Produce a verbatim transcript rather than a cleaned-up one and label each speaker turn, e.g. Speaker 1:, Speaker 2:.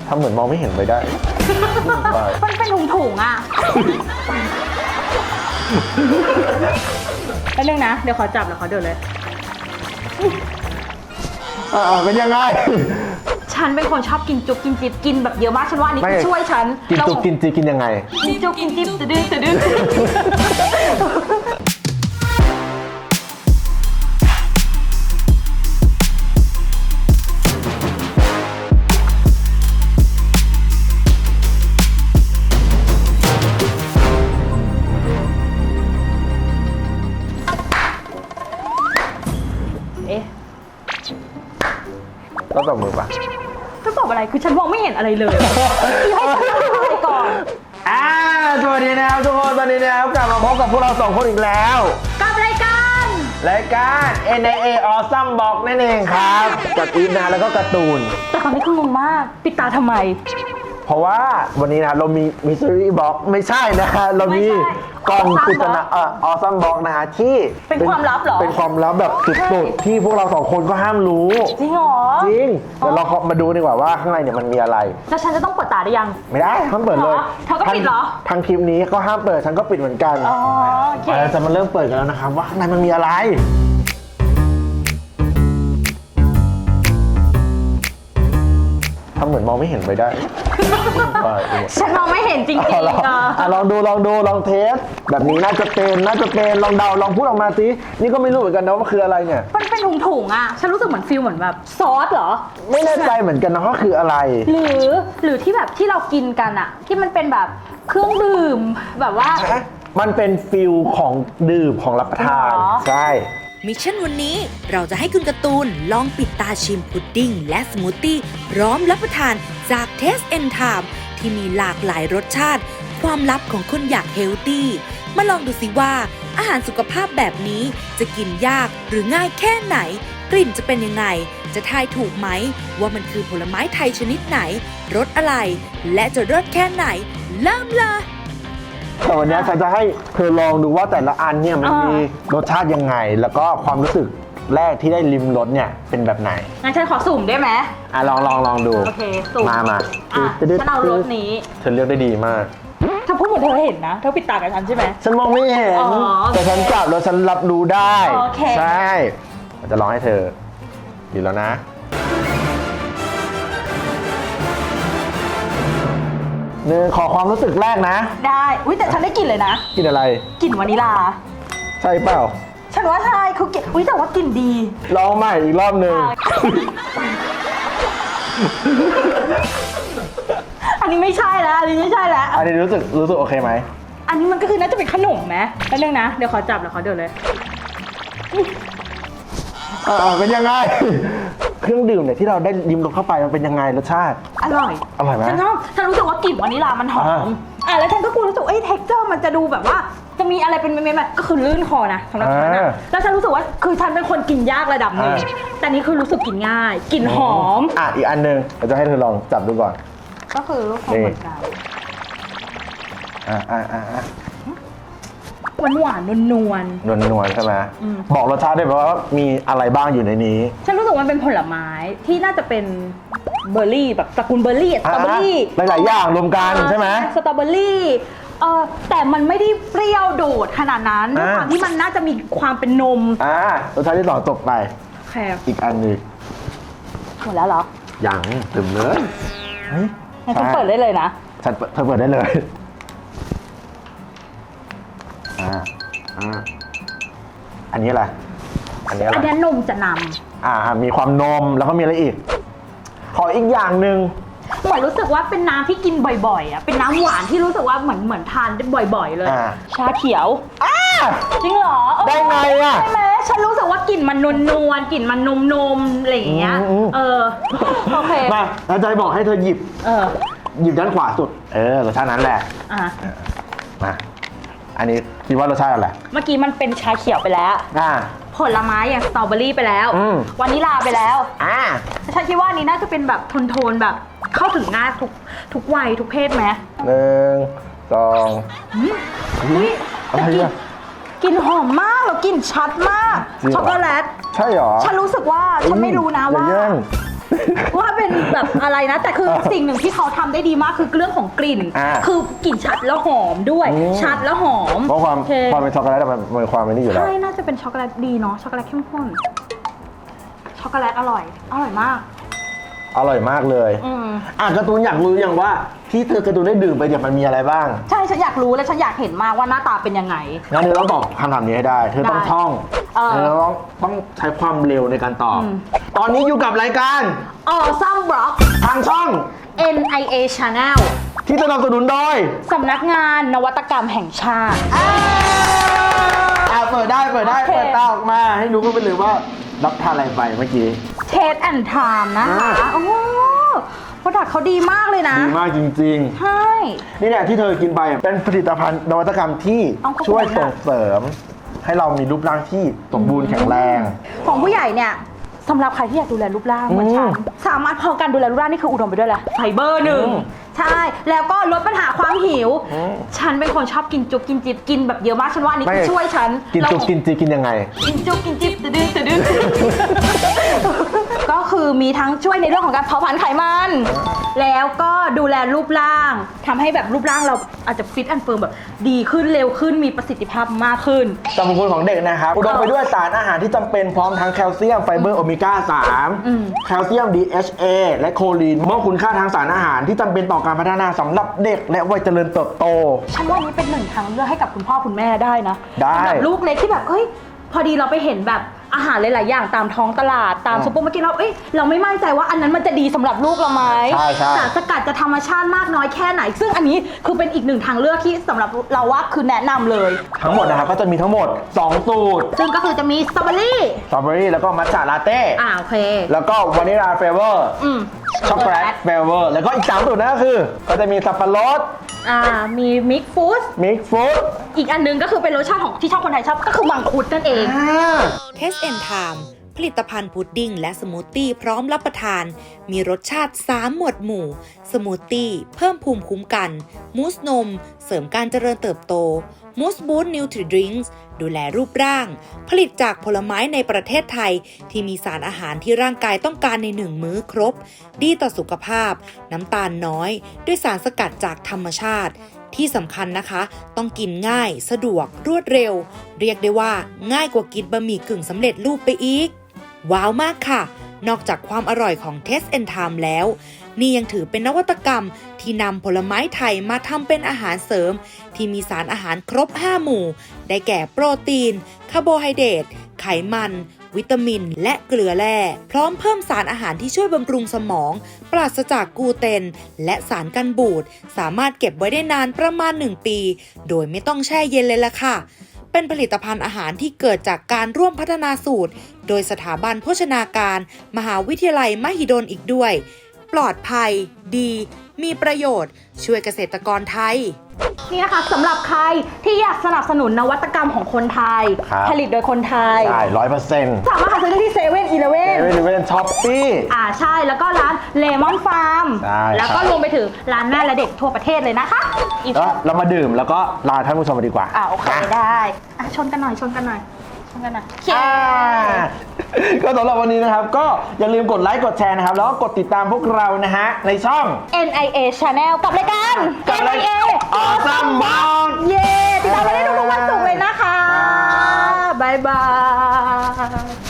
Speaker 1: ทำเหมือนมองไม่เห็นไปได้
Speaker 2: มันเป็นถุงถุงๆอ่ะแป๊บนึงนะเดี๋ยวขอจับแล้วขอเดินเลย
Speaker 1: อ่าเป็นยังไง
Speaker 2: ฉันเป็นคนชอบกินจุ๊บกินจิ๊บกินแบบเยอะมากฉันว่าอันนี้คือช่วยฉัน
Speaker 1: กินจุกกินจีกินยังไง
Speaker 2: กินจุ๊บกินจิ๊บตะดื้อตะดื้อเอ๊ะ
Speaker 1: ก็ตบมือปะ
Speaker 2: จะตอบอะไรคือฉันมองไม่เห็นอะไรเลยให้ฉันทำอะไรก่อน
Speaker 1: อ่าสวัสดีนะครับทุกคนตอนนี้นะครับกลับมาพบกับพวกเราสองคนอีกแล้ว
Speaker 2: กับรายการ
Speaker 1: รายการ เอ็น ไอ เอ Awesome Box นั่นเองครับกับอีฟนะแล้วก็การ์ตูน
Speaker 2: แต่ตอนนี้คืองงมากปิดตาทำไม
Speaker 1: เพราะว่าวันนี้นะเรามี Mystery Box ไม่ใช่นะฮะเรามี
Speaker 2: ไม่ใช่
Speaker 1: กล่อง
Speaker 2: Awesome
Speaker 1: ปริศนาเอ่อ Awesome Box นะฮะที่
Speaker 2: เป็นความลับเหรอ
Speaker 1: เป็นความลับแบบสุดๆที่พวกเราสองคนก็ห้ามรู้
Speaker 2: จริงเหรอ
Speaker 1: จริงเดี๋ยวเรามาดูดีกว่าว่าข้างในเนี่ยมันมีอะไร
Speaker 2: แล้วฉันจะต้องเปิดตาได้ยัง
Speaker 1: ไม่ได้ห้ามเปิดเลย
Speaker 2: เหรอเธอก็ปิดเหรอ
Speaker 1: ทางคลิปนี้ก็ห้ามเปิดฉันก็ปิดเหมือนกัน
Speaker 2: อ๋อโอเค
Speaker 1: เราจะมาเริ่มเปิดกันแล้วนะครับว่าข้างในมันมีอะไรทำเหมือนมองไม่เห็นไปได้
Speaker 2: ฉันมองไม่เห็นจริง
Speaker 1: เอาลอง
Speaker 2: ๆอ่ะ
Speaker 1: อ่ะลองดูลองดูลองเทสแบบนี้น่าจะเป็นน่าจะเป็นลองเดาลองพูดออกมาสินี่ก็ไม่รู้เหมือนกันนะว่าคืออะไรเนี่ย
Speaker 2: มันเป็นถุงๆอ่ะฉันรู้สึกเหมือนฟิลเหมือนแบบซอสเหรอ
Speaker 1: ไม่แน่ใจเหมือนกันนะว่าคืออะไร
Speaker 2: หรือหรือที่แบบที่เรากินกันอ่ะ ที่มันเป็นแบบเครื่องดื่มแบบว่า
Speaker 1: มันเป็นฟิลของดื่มของรับประทาน
Speaker 2: หรอ
Speaker 1: ใช่
Speaker 3: มิชชั่นวันนี้เราจะให้คุณการ์ตูนลองปิดตาชิมพุดดิ้งและสมูทตี้พร้อมรับประทานจาก Taste and Time ที่มีหลากหลายรสชาติ ความลับของคนอยากเฮลตี้มาลองดูสิว่าอาหารสุขภาพแบบนี้จะกินยากหรือง่ายแค่ไหน กลิ่นจะเป็นยังไง จะทายถูกไหม ว่ามันคือผลไม้ไทยชนิดไหนรสอะไร และจะรสแค่ไหนเริ่มเลย
Speaker 1: แต่วันนี้ฉันจะให้เธอลองดูว่าแต่ละอันเนี่ยมัน
Speaker 2: อ่ามี
Speaker 1: มีรสชาติยังไง แล้วก็ความรู้สึกแรกที่ได้ลิมรสเนี่ยเป็นแบบไหน
Speaker 2: งั้นฉันขอสุ่มได้ไหม
Speaker 1: อ่ะลองลองลองดู
Speaker 2: โอเคสุ่ม
Speaker 1: มามา
Speaker 2: อ่ะ
Speaker 1: ตึ๊ด
Speaker 2: ฉันเอารสนี้
Speaker 1: เธอเลือกได้ดีมาก
Speaker 2: เธอพูดเหมือนเธอเห็นนะเธอปิดตากับฉันใช่ไหม
Speaker 1: ฉันมองไม่เห็น
Speaker 2: อ๋อโอเค
Speaker 1: แต่ฉันจับแล้วฉันรับรู้ได้
Speaker 2: โอเค
Speaker 1: ใช่เราจะลองให้เธอดีแล้วนะหนึ่งขอความรู้สึกแรกนะ
Speaker 2: ได้อุ้ยแต่ฉันได้กลิ่นเลยนะ
Speaker 1: กินอะไร
Speaker 2: กลิ่นวานิลา
Speaker 1: ใช่เปล่า
Speaker 2: ฉันว่าใช่คือกลิ่นอุ้ยแต่ว่ากลิ่นดี
Speaker 1: ลองใหม่อีกรอบหนึ่ง
Speaker 2: อันนี้ไม่ใช่แล้วอันนี้ไม่ใช่แล้ว
Speaker 1: อันนี้รู้สึกรู้สึกโอเคไหม
Speaker 2: อันนี้มันก็คือน่าจะเป็นขนมไหมแป๊บนึงนะเดี๋ยวขอจับแล้วขอเดินเลย
Speaker 1: เออเป็นยังไง เครื่องดื่มเนี่ยที่เราได้ริมรสเข้าไปมันเป็นยังไงรสชาติ
Speaker 2: อร่อย
Speaker 1: อร่อยไหม
Speaker 2: ฉันชอบฉันรู้สึกว่ากลิ่นวานิลามันหอ
Speaker 1: อ่า
Speaker 2: มอ่ะแล้วฉันก็กลัวรู้สึกเอ้ยเท็กเจอร์มันจะดูแบบว่าจะมีอะไรเป็นเม็ดๆแบบก็คือลื่นคอนะสำหรับฉันนะแล้วฉันรู้สึกว่าคือฉันเป็นคนกินยากระดับหนึ่งแต่นี่คือรู้สึกกินง่ายกลิ่นหอม
Speaker 1: อ่ะอีกอันหนึ่งเราจะให้เธอลองจับดูก่อน
Speaker 2: ก็คือลูกคอเหมือนกัน
Speaker 1: อ่ะอ่ะอ่ะอ่ะ
Speaker 2: หวานหวานนวลนวล
Speaker 1: นวลนวลๆใช่ไหม
Speaker 2: อืม
Speaker 1: บอกรสชาติได้ไหมว่ามีอะไรบ้างอยู่ในนี้
Speaker 2: ฉันรู้สึกว่ามันเป็นผลไม้ที่น่าจะเป็นเบอร์รี่แบบตระกูลเบอร์รี่อะสตรอเบอร์รี่
Speaker 1: หลายๆอย่างรวมกันใช่ไหม
Speaker 2: สตรอเบอร์รี่เออแต่มันไม่ได้เปรี้ยวโดดขนาดนั้นด้วย
Speaker 1: อ่า
Speaker 2: ความที่มันน่าจะมีความเป็นนม
Speaker 1: อ่ารสชาติที่สองจบไป
Speaker 2: แค่
Speaker 1: อีกอันหนึง
Speaker 2: หมดแล้วเหรอ
Speaker 1: ยังเต็มเลยเฮ้ย
Speaker 2: งั้นฉันเปิดได้เลยนะ
Speaker 1: ฉันเปิดเธอเปิดได้เลยอ่าอ่าอันนี้อะไรอันนี้อะไร
Speaker 2: อันนี้นมจะน
Speaker 1: อ่ามีความนมแล้วก็มีอะไรอีก ขออีกอย่างหนึ่ง
Speaker 2: ำเหมือนรู้สึกว่าเป็นน้ำที่กินบ่อยๆอ่ะเป็นน้ำหวานที่รู้สึกว่าเหมือนเหมือนทานได้บ่อย ๆ เลย
Speaker 1: อ่า
Speaker 2: ชาเขียว
Speaker 1: อ่า
Speaker 2: จริงเหรอเออ
Speaker 1: ได้ไงอะ
Speaker 2: ใช่ไหมฉันรู้สึกว่ากลิ่นมันนวลนวลๆกลิ่นมันนมนมๆอะไรอย่างเงี้ย
Speaker 1: อืม
Speaker 2: เออโอเค
Speaker 1: มาเราจะบอกให้เธอหยิบ
Speaker 2: เออ
Speaker 1: หยิบด้านขวาสุด เออรสชาตินั้นแหละ
Speaker 2: อ่ะ
Speaker 1: มาอันนี้คิดว่ารสชาติอะไร
Speaker 2: เมื่อกี้มันเป็นชาเขียวไปแล้ว
Speaker 1: อ่า
Speaker 2: ผลไม้อย่างสตรอเบอรี่ไปแล้ว
Speaker 1: อืม
Speaker 2: วานิลาไปแล้ว
Speaker 1: อ่า
Speaker 2: ฉันคิดว่าอันนี้น่าจะเป็นแบบโทนๆแบบเข้าถึงง่ายทุกทุกวัยทุกเพศไหม
Speaker 1: หนึ่งสอง
Speaker 2: อุ้ย
Speaker 1: อะไรอ่ะ
Speaker 2: กลิ่นหอมมากแล้วกลิ่นชัดมาก
Speaker 1: จริงเหรอ
Speaker 2: ช็อกโกแลต
Speaker 1: ใช่หรอ
Speaker 2: ฉันรู้สึกว่าฉันไม่รู้นะ
Speaker 1: อย่
Speaker 2: ว่า
Speaker 1: แย่ง
Speaker 2: ว่าเป็นแบบอะไรนะ แต่คือสิ่งหนึ่งที่เขาทำได้ดีมากคือเรื่องของกลิ่น
Speaker 1: อ่า
Speaker 2: คือกลิ่นชัดแล้วหอมด้วย
Speaker 1: อืม
Speaker 2: ชัดแล้วหอม
Speaker 1: เพราะความ
Speaker 2: โอเค
Speaker 1: ความเป็นช็อกโกแลตอะมันมันมีความเป็นนี่อยู่แล้ว
Speaker 2: ใช่น่าจะเป็นช็อกโกแลตดีเนาะช็อกโกแลตเข้มข้นช็อกโกแลตอร่อยอร่อยมาก
Speaker 1: อร่อยมากเลย
Speaker 2: อืม
Speaker 1: อ่ะการ์ตูนอยากรู้อย่างว่าที่เธอการ์ตูนได้ดื่มไปเนี่ยมันมีอะไรบ้าง
Speaker 2: ใช่ฉันอยากรู้และฉันอยากเห็นมากว่าหน้าตาเป็นยังไง
Speaker 1: งั้นเธอต้องตอบคำถามนี้ให้ได้ เธอต้อง
Speaker 2: ได้
Speaker 1: ท่อง
Speaker 2: เออ
Speaker 1: เธอต้องต้องใช้ความเร็วในการตอบ
Speaker 2: อืม
Speaker 1: ตอนนี้อยู่กับรายการ
Speaker 2: Awesome Block
Speaker 1: ทางช่อง
Speaker 2: เอ็น ไอ เอ Channel
Speaker 1: ที่สนับสนุนโดย
Speaker 2: สำนักงานนวัตกรรมแห่งชาติ
Speaker 1: อ่ะเปิดได้เปิดได้
Speaker 2: โอเค
Speaker 1: เปิดตาออกมาให้รู้กันไปเลยว่ารับทานอะไรไปเมื่อกี้
Speaker 2: Taste and Time นะคะ
Speaker 1: อ่า
Speaker 2: โอ้โหโปรดักต์เขาดีมากเลยนะ
Speaker 1: ดีมากจริง
Speaker 2: ใช่
Speaker 1: ๆ นี่แหละที่เธอกินไปอ่ะเป็นผลิตภัณฑ์นวัตกรรมที่
Speaker 2: เอาขอบคุณ
Speaker 1: ช่วย
Speaker 2: ค่ะ
Speaker 1: ส่งเสริม ให้เรามีรูปร่างที่สมบูรณ์แข็งแรง
Speaker 2: ของผู้ใหญ่เนี่ยสำหรับใครที่อยากดูแลรูปร่างเหมือนฉัน
Speaker 1: อืม
Speaker 2: สามารถพอการดูแลรูปร่างนี่คืออุดมไปด้วยแหละไฟเบอร์หนึ่ง
Speaker 1: อืม
Speaker 2: ใช่ แล้วก็ลดปัญหาความหิว
Speaker 1: อืม
Speaker 2: ฉันเป็นคนชอบกินจุ๊บกินจิ๊บกินแบบเยอะมากฉันว่าอันนี้คือช่วยฉัน
Speaker 1: กินจุกกินจีกินยังไง
Speaker 2: กินจุ๊บกินจิ๊บตะดื้อตะดื้อ ก็คือมีทั้งช่วยในเรื่องของการเผาผลาญไขมัน แล้วก็ดูแลรูปร่างทำให้แบบรูปร่างเราอาจจะฟิตแอนด์เฟิร์มแบบดีขึ้นเร็วขึ้นมีประสิทธิภาพมากขึ้น
Speaker 1: สรรพคุณของเด็กนะครับ อุดมไปด้วยสารอาหารที่จำเป็นพร้อมทั้งแคลเซียมไฟเบอร์โอเมก้า สาม
Speaker 2: อืม
Speaker 1: แคลเซียม ดี เอช เอ และโคลีนมอบคุณค่าทางสารอาหารที่จำเป็นต่อการพัฒนาสำหรับเด็กและวัยเจริญเติบโต
Speaker 2: ฉันว่านี้เป็นหนึ่งทางเลือกให้กับคุณพ่อคุณแม่ได้นะ
Speaker 1: ได้
Speaker 2: สำหรับลูกเล็กที่แบบเอ้ยพอดีเราไปเห็นแบบอาหารหลาย ๆ อย่างตามท้องตลาดตาม
Speaker 1: อืม
Speaker 2: ซุปเปอร์มาร์เก็ตเราเอ้ยเราไม่มั่นใจว่าอันนั้นมันจะดีสำหรับลูกเราไหม
Speaker 1: ใช่ใช่
Speaker 2: สารสกัดจะธรรมชาติมากน้อยแค่ไหน ซึ่งอันนี้คือเป็นอีกหนึ่งทางเลือกที่สำหรับเราว่าคือแนะนำเลย
Speaker 1: ทั้งหมดนะครับก็จะมีทั้งหมด สอง สูตร
Speaker 2: ซึ่งก็คือจะมีสตรอเบอรี่
Speaker 1: สตรอเบอรี่แล้วก็มัทฉะลาเต้
Speaker 2: อ่าโอเค
Speaker 1: แล้วก็วานิลาเฟเวอร์
Speaker 2: อืม
Speaker 1: ช็อกโกแลตเฟเวอร์แล้วก็อีกสามสูตรนั่นก็คือ ก็จะมีสับปะรด
Speaker 2: อ่ามีมิกฟู้ด
Speaker 1: มิกซ์ฟรุต
Speaker 2: อีกอันหนึงก็คือเป็นรสชาติของที่ชอบคนไทยชอบก็คือมังคุดนั่นเอง
Speaker 3: Taste and Time ผลิตภัณฑ์พุดดิ้งและสมูทตี้พร้อมรับประทาน มีรสชาติ สาม หมวดหมู่ สมูทตี้เพิ่มภูมิคุ้มกัน มูสนม เสริมการเจริญเติบโต มูสบูสต์นิวทริดริงส์ดูแลรูปร่าง ผลิตจากผลไม้ในประเทศไทย ที่มีสารอาหารที่ร่างกายต้องการในหนึ่งมื้อครบ ดีต่อสุขภาพ น้ำตาลน้อย ด้วยสารสกัดจากธรรมชาติ ที่สำคัญนะคะ ต้องกินง่าย สะดวก รวดเร็ว เรียกได้ว่าง่ายกว่ากินบะหมี่กึ่งสำเร็จรูปไปอีก ว้าวมากค่ะ นอกจากความอร่อยของ Taste and Time แล้ว นี่ยังถือเป็นนวัตกรรมที่นำผลไม้ไทยมาทำเป็นอาหารเสริม ที่มีสารอาหารครบ ห้า หมู่ ได้แก่โปรตีน คาร์โบไฮเดรต ไขมัน วิตามิน และเกลือแร่ พร้อมเพิ่มสารอาหารที่ช่วยบำรุงสมอง ปราศจากกลูเตน และสารกันบูด สามารถเก็บไว้ได้นานประมาณ หนึ่ง ปี โดยไม่ต้องแช่เย็นเลยล่ะค่ะ เป็นผลิตภัณฑ์อาหารที่เกิดจากการร่วมพัฒนาสูตร โดยสถาบันโภชนาการ มหาวิทยาลัยมหิดลอีกด้วย ปลอดภัย ดี มีประโยชน์ ช่วยเกษตรกรไทย
Speaker 2: นี่นะคะสำหรับใครที่อยากสนับสนุนนวัตกรรมของคนไทย
Speaker 1: ครับ
Speaker 2: ผลิตโดยคนไทย
Speaker 1: ใช่ร้อยเปอร์เซ็นต์
Speaker 2: สามารถหาซื้อได้ที่เซเว่นอีเลเว่
Speaker 1: เซ
Speaker 2: น
Speaker 1: เว่นเว่นช้อปปี้
Speaker 2: อ่าใช่แล้วก็ร้านเลมอนฟาร์ม
Speaker 1: ใช่
Speaker 2: แล้วก็
Speaker 1: ครับ
Speaker 2: รวมไปถึงร้านแม่และเด็กทั่วประเทศเลยนะคะอีก
Speaker 1: แล้วเรามาดื่มแล้วก็ลาท่านผู้ชมไปดีกว่า
Speaker 2: อ่าโอเค
Speaker 1: นะ
Speaker 2: ได้อ่ะชนกันหน่อยชนกันหน่อยชนกันหน่อย
Speaker 1: อ่าก็สำหรับวันนี้นะครับ ก็อย่าลืมกดไลค์กดแชร์นะครับ แล้วก็กดติดตามพวกเรานะฮะ ในช่อง
Speaker 2: เอ็น ไอ เอ Channel กับรายการ
Speaker 1: กับ
Speaker 2: เอ็น
Speaker 1: ราย
Speaker 2: ไอ เอ
Speaker 1: Awesome Block
Speaker 2: เย้ติดตามมาได้ทุกๆวันศุกร์เลยนะคะบ๊ายบาย